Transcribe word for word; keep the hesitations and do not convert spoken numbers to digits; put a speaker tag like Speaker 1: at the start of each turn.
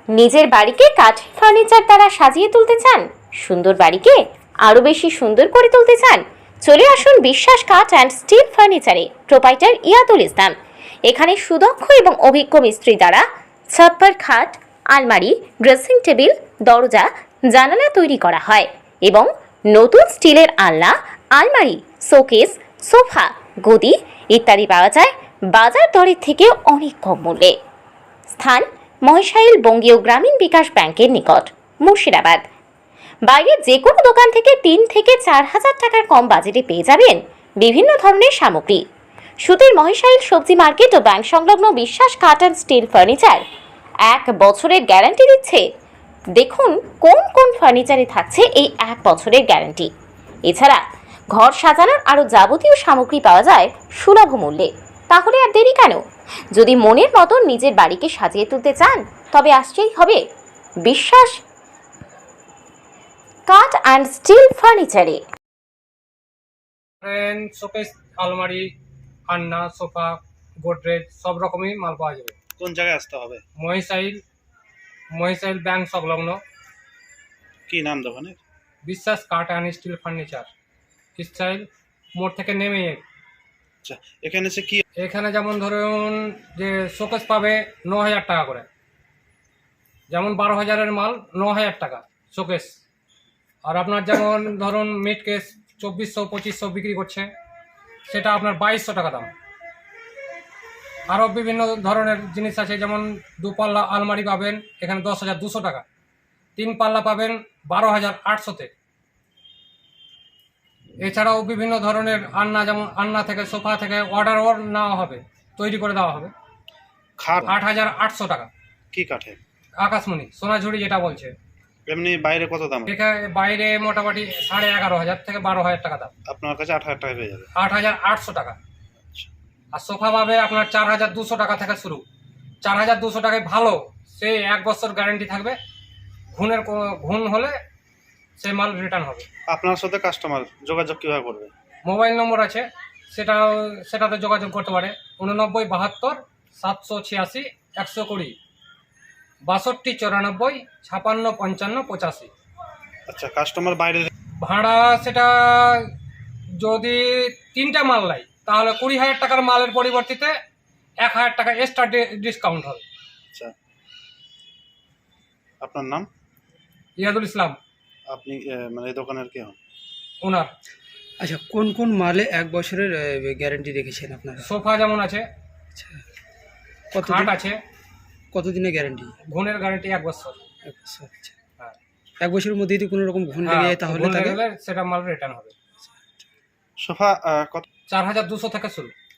Speaker 1: নিজের বাড়িকে কাঠের ফার্নিচার দ্বারা সাজিয়ে তুলতে চান? সুন্দর বাড়িকে আরো বেশি সুন্দর করে তুলতে চান? চলে আসুন বিশ্বাস কাঠ অ্যান্ড স্টিল ফার্নিচারে। প্রোপাইটার ইয়াদুল ইসলাম। এখানে সুদক্ষ এবং অভিজ্ঞ মিস্ত্রি দ্বারা ছাপ্পার খাট, আলমারি, ড্রেসিং টেবিল, দরজা, জানালা তৈরি করা হয় এবং নতুন স্টিলের আলনা, আলমারি, শোকেস, সোফা, গদি ইত্যাদি পাওয়া যায় বাজার দরের থেকে অনেক কম মূল্যে। স্থান মহেশাইল বঙ্গীয় গ্রামীণ বিকাশ ব্যাংকের নিকট, মুর্শিদাবাদ। বাইরের যে কোনো দোকান থেকে তিন থেকে চার হাজার টাকার কম বাজেটে পেয়ে যাবেন বিভিন্ন ধরনের সামগ্রী। সুতির মহেশাইল সবজি মার্কেট ও ব্যাংক সংলগ্ন বিশ্বাস কাঠ অ্যান্ড স্টিল ফার্নিচার এক বছরের গ্যারান্টি দিচ্ছে। দেখুন কোন কোন ফার্নিচারে থাকছে এই এক বছরের গ্যারান্টি। এছাড়া ঘর সাজানোর আরও যাবতীয় সামগ্রী পাওয়া যায় সুলভ মূল্যে। তাহলে আর দেরি কেন? যদি মনের মতো নিজের বাড়িকে সাজিয়ে তুলতে চান তবে আসতেই হবে বিশ্বাস কাঠ অ্যান্ড স্টিল ফার্নিচারে।
Speaker 2: শোকেস, আলমারি, আলনা, সোফা, গোদরেজ সব রকমই মাল পাওয়া যাবে।
Speaker 3: কোন জায়গায় আসতে হবে?
Speaker 2: মহিশাইল মহিশাইল ব্যাংক সংলগ্ন
Speaker 3: কি নাম দোকানের?
Speaker 2: বিশ্বাস কাঠ অ্যান্ড স্টিল ফার্নিচার, স্টাইল মোড় থেকে নেমে।
Speaker 3: আচ্ছা, এখানে সে কি?
Speaker 2: এখানে যেমন ধরুন যে শোকেস পাবে ন হাজার টাকা করে, যেমন বারো হাজারের মাল ন হাজার টাকা শোকেস। আর আপনার যেমন ধরুন মিড কেস চব্বিশশো পঁচিশশো বিক্রি করছে, সেটা আপনার বাইশশো টাকা দাম। আরও বিভিন্ন ধরনের জিনিস আছে, যেমন দু পাল্লা আলমারি পাবেন এখানে দশ হাজার দুশো টাকা, তিন পাল্লা পাবেন বারো হাজার আটশোতে। এছাড়াও বিভিন্ন ধরনের আলনা, যেমন আলনা থেকে সোফা থেকে অর্ডার নেওয়া হবে, তৈরি করে দেওয়া হবে।
Speaker 3: খাট
Speaker 2: আট হাজার আটশো টাকা।
Speaker 3: কি কাঠের?
Speaker 2: আকাশমণি, সোনাঝুরি যেটা বলছে।
Speaker 3: এমনি বাইরে কত দাম?
Speaker 2: এখানে বাইরে মোটামুটি সাড়ে এগারো হাজার থেকে বারো হাজার টাকা দাম।
Speaker 3: আপনার কাছে আট হাজার টাকা পেয়ে যাবে।
Speaker 2: আট হাজার আটশো টাকা। আর সোফা পাবে আপনার চার হাজার দুশো টাকা থেকে শুরু। চার হাজার দুশো টাকায় ভালো, সে এক বছর গ্যারেন্টি থাকবে। ঘুণের ঘুণ হলে সে মাল রিটার্ন হবে।
Speaker 3: আপনার সাথে কাস্টমার যোগাযোগ কিভাবে করবে?
Speaker 2: মোবাইল নম্বর আছে, সেটাও সেটাতে যোগাযোগ করতে পারে। উননব্বই বাহাত্তর সাতশো ছিয়াশি একশো কুড়ি, বাষট্টি চুরানব্বই ছাপান্ন পঞ্চান্ন পঁচাশি।
Speaker 3: আচ্ছা, কাস্টমার বাইরে?
Speaker 2: ভাড়া সেটা যদি তিনটা মাল নেয় তাহলে কুড়ি হাজার টাকার মালের পরিবর্তিতে এক হাজার টাকা এক্সট্রা ডিসকাউন্ট হবে।
Speaker 3: আচ্ছা, আপনার নাম?
Speaker 2: ইয়াদুল ইসলাম।
Speaker 3: আপনি মানে এই দোকানের কে হন?
Speaker 2: ওনার।
Speaker 4: আচ্ছা, কোন কোন মালে এক বছরের গ্যারান্টি রেখেছেন আপনারা?
Speaker 2: সোফা যেমন আছে,
Speaker 4: আচ্ছা, কত
Speaker 2: খাট আছে।
Speaker 4: কতদিনের গ্যারান্টি?
Speaker 2: ঘুণের গ্যারান্টি এক বছর।
Speaker 4: এক বছর। আচ্ছা,
Speaker 2: হ্যাঁ।
Speaker 4: এক বছরের মধ্যে যদি কোনো রকম ঘুণ লেগে যায় তাহলে
Speaker 2: ঘুণ
Speaker 4: তাকে
Speaker 2: লেগে গেলে সেটা মাল রিটার্ন হবে।
Speaker 3: সোফা কত?
Speaker 2: চার হাজার দুশো থেকে শুরু।